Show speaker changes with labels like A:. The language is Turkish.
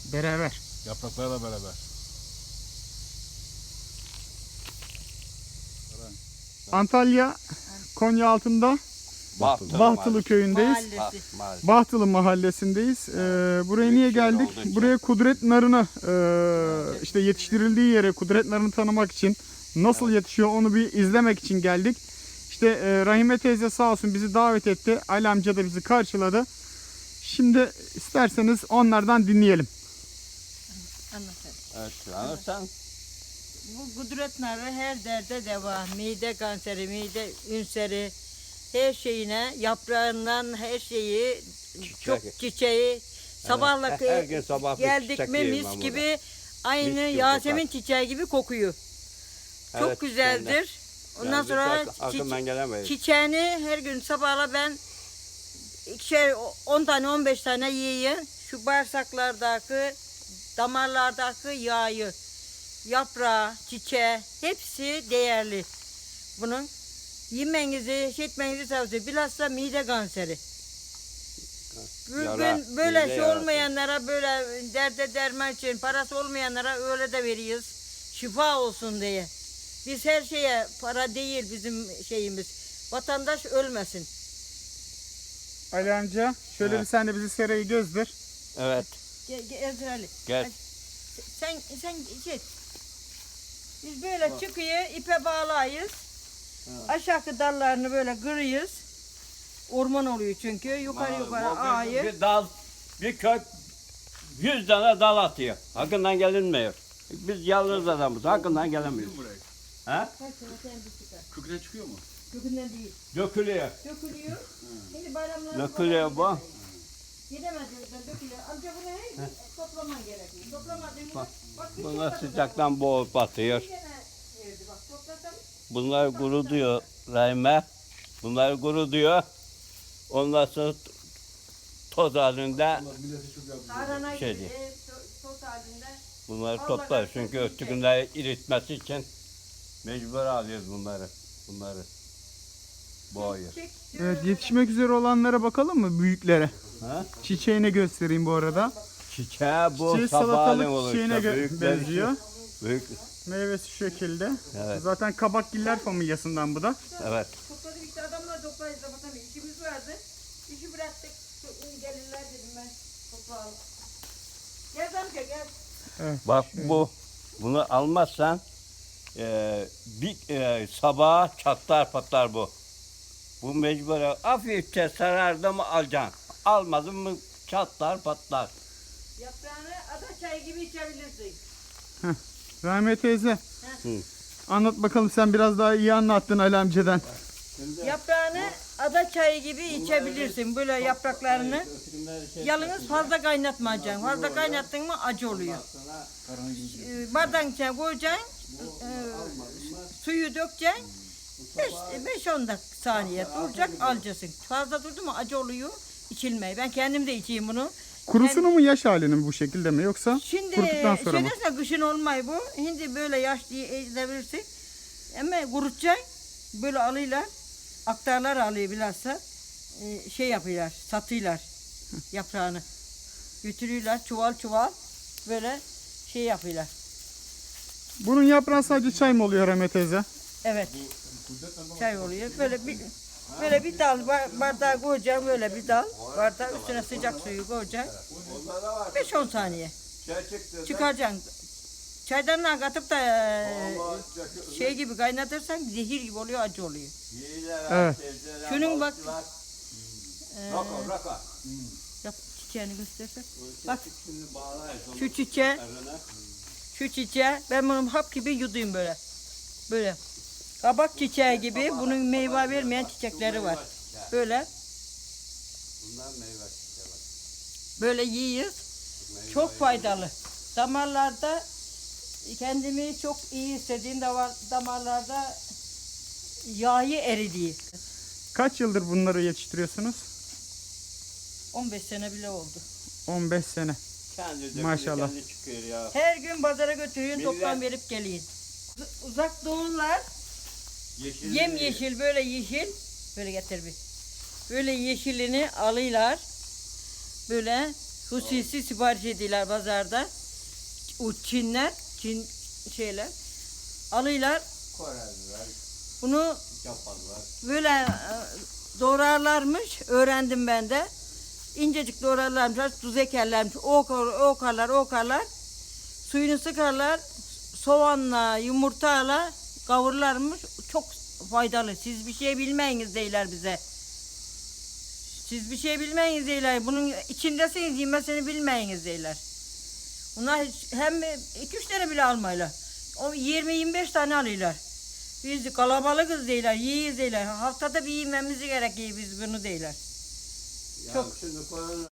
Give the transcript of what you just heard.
A: Beraber.
B: Yapraklarla beraber.
A: Antalya, Konyaaltı'nda Bahtılı köyündeyiz.
C: Mahallesi.
A: Bahtılı mahallesindeyiz. Buraya niye geldik? Buraya kudret narını işte yetiştirildiği yere kudret narını tanımak için nasıl yetişiyor onu bir izlemek için geldik. İşte Rahime teyze sağ olsun bizi davet etti. Ali amca da bizi karşıladı. Şimdi isterseniz onlardan dinleyelim.
C: Anlatalım.
D: Evet, anlarsan.
C: Bu kudret narı her derde deva. Mide kanseri, mide ünseri, her şeyine, yaprağından her şeyi, çok çiçeği. Sabahla
D: Her gün sabah bir
C: geldik
D: çiçek
C: mi
D: yiyeyim
C: mis
D: ben
C: gibi, aynı
D: Mis gibi
C: Yasemin
D: kokar.
C: çiçeği gibi kokuyor. Çok
D: Evet,
C: güzeldir. Ondan
D: Yani
C: sonra
D: biz arkamdan gelemeyiz.
C: çiçeğini her gün sabahla ben 10 tane 15 tane yiyeyim. Şu bağırsaklardaki, damarlardaki yağı, yaprağı, çiçeği hepsi değerli. Bunun yemenizi, etmenizi tavsiye. Bilhassa mide kanseri.
D: Yara,
C: Bugün böyle
D: mide
C: şey
D: yarası.
C: olmayanlara, böyle derde derman için parası olmayanlara öyle de veriyoruz. Şifa olsun diye. Biz her şeye para değil bizim şeyimiz. Vatandaş ölmesin.
A: Ali amca şöyle
D: Evet.
A: bir sen de bizi serayı gözdir.
D: Evet,
C: Gel Ezra Ali.
D: gel.
C: Sen git. Biz böyle çıkıyor, ipe bağlayız. Aşağı dallarını böyle kırıyız. Orman oluyor çünkü. Yukarı ağayı.
D: Bir dal, bir kök 100 tane dal atıyor. Hakkından gelinmiyor. Biz yalnız adamız, hakkından gelemiyoruz. Ha?
B: Köküne çıkıyor mu?
C: Kökünden değil.
D: Dökülüyor.
C: Dökülüyor. Şimdi bayramlarda
D: Dökülüyor bu.
C: Gidemediğimizden dökülüyor. Amca bunu her toplaman gerekiyor. Toplamadığımızda bak bir
D: Bunlar
C: şey
D: sıcaktan boğup batıyor.
C: Bir tane verdi bak. Toplasam
D: Bunlar kuru diyor Rahime. Bunlar kuru diyor. Ondan sonra toz halinde
B: Milleti çok yapıyor.
C: tarhana
D: Şey
C: gibi
D: değil.
C: toz halinde.
D: bunları toplar. Çünkü ötükünde iritmesi için mecbur alıyoruz bunları. Boğuyor.
A: Evet, yetişmek üzere olanlara bakalım mı, büyüklere?
D: Ha?
A: Çiçeğini göstereyim bu arada.
D: Çiçeği bu
A: Çiçeği
D: sabahleyin
A: salatalık
D: olur
A: çiçeğine
D: işte. Büyükleri
A: benziyor.
D: Büyük.
A: Meyvesi şu şekilde.
D: Evet.
A: Zaten kabakgiller familyasından bu da.
D: Evet.
C: Topladık işte adamla toplayız da bakalım işimiz vardı. İşi bıraktık. Gelirler dedim ben toplayalım. Gel amca gel.
D: Bak bunu almazsan bir sabaha çatlar patlar bu. Bu mecbur hafifçe sarardı mı alacaksın. Almadın mı çatlar patlar.
C: Yaprağını ada çayı gibi içebilirsin.
A: Rahime teyze.
D: Hı.
A: Anlat bakalım, sen biraz daha iyi anlattın Ali amcadan.
C: Yaprağını ada çayı gibi içebilirsin. Böyle yapraklarını. Yalnız fazla kaynatmayacaksın. Fazla kaynattın mı acı oluyor. Bardağın içine koyacaksın. Suyu dökeceksin. 5-10 saniye duracak alacaksın. Fazla durdu mu acı oluyor. İçilmeyi. Ben kendim de içeyim bunu.
A: Kurusunu mu, yaş halini mi bu şekilde mi, yoksa
C: Şimdi
A: kuruduktan sonra mı?
C: şeyden kışın olmay bu. Şimdi böyle yaş diye edebilirsin. Ama kurutacaksın. Böyle alıyorlar. Aktarlar alıyor bilhassa. Şey yapıyorlar. Satıyorlar yaprağını. Götürüyorlar çuval çuval. Böyle şey yapıyorlar.
A: Bunun yaprağı sadece çay mı oluyor Rahime teyze?
C: Evet. Çay oluyor. Böyle bir dal bardağa koyacaksın, böyle bir dal. Bardağı üstüne sıcak suyu koyacaksın. 5-10 saniye. Çıkaracaksın. Çaydanlığa katıp da şey gibi kaynatırsan zehir gibi oluyor, acı oluyor.
A: Evet.
C: Şunun bak. Yap çiçeğini göstersen. Bak şu çiçeği ben bunu hap gibi yuduyum böyle. Böyle. Kabak çiçeği gibi bunun meyve vermeyen çiçekleri var. Böyle. Böyle yiyiz. Çok faydalı. Damarlarda kendimi çok iyi hissettiğim damarlarda yağı eridiği.
A: Kaç yıldır bunları yetiştiriyorsunuz?
C: 15 sene bile oldu.
A: 15 sene. Maşallah.
D: Çıkıyor ya.
C: Her gün pazara götürüyorsun,
D: Millet-
C: toptan verip geliyin. Uzak doğular yemyeşil, böyle yeşil. Böyle getir bir. Böyle yeşilini alıyorlar. Böyle Hususi sipariş ediyorlar pazarda. O Çinler, Çin şeyler. Alıyorlar. Bunu böyle doğrarlarmış. Öğrendim ben de. İncecik doğrarlarmış. Tuz ekerlermiş. Okarlar. Suyunu sıkarlar. Soğanla, yumurtayla kavururlarmış. Çok faydalı. Siz bir şey bilmeyiniz deyler bize. Siz bir şey bilmeyiniz deyler. Bunun içindesiniz, yemesini bilmeyiniz deyler. Bunlar hem 2-3 tane bile almayla. O 20-25 tane alıyorlar. Biz kalabalıkız deyler, yiyiz deyler. Haftada bir yememiz gerekiyor biz bunu deyler. Çok.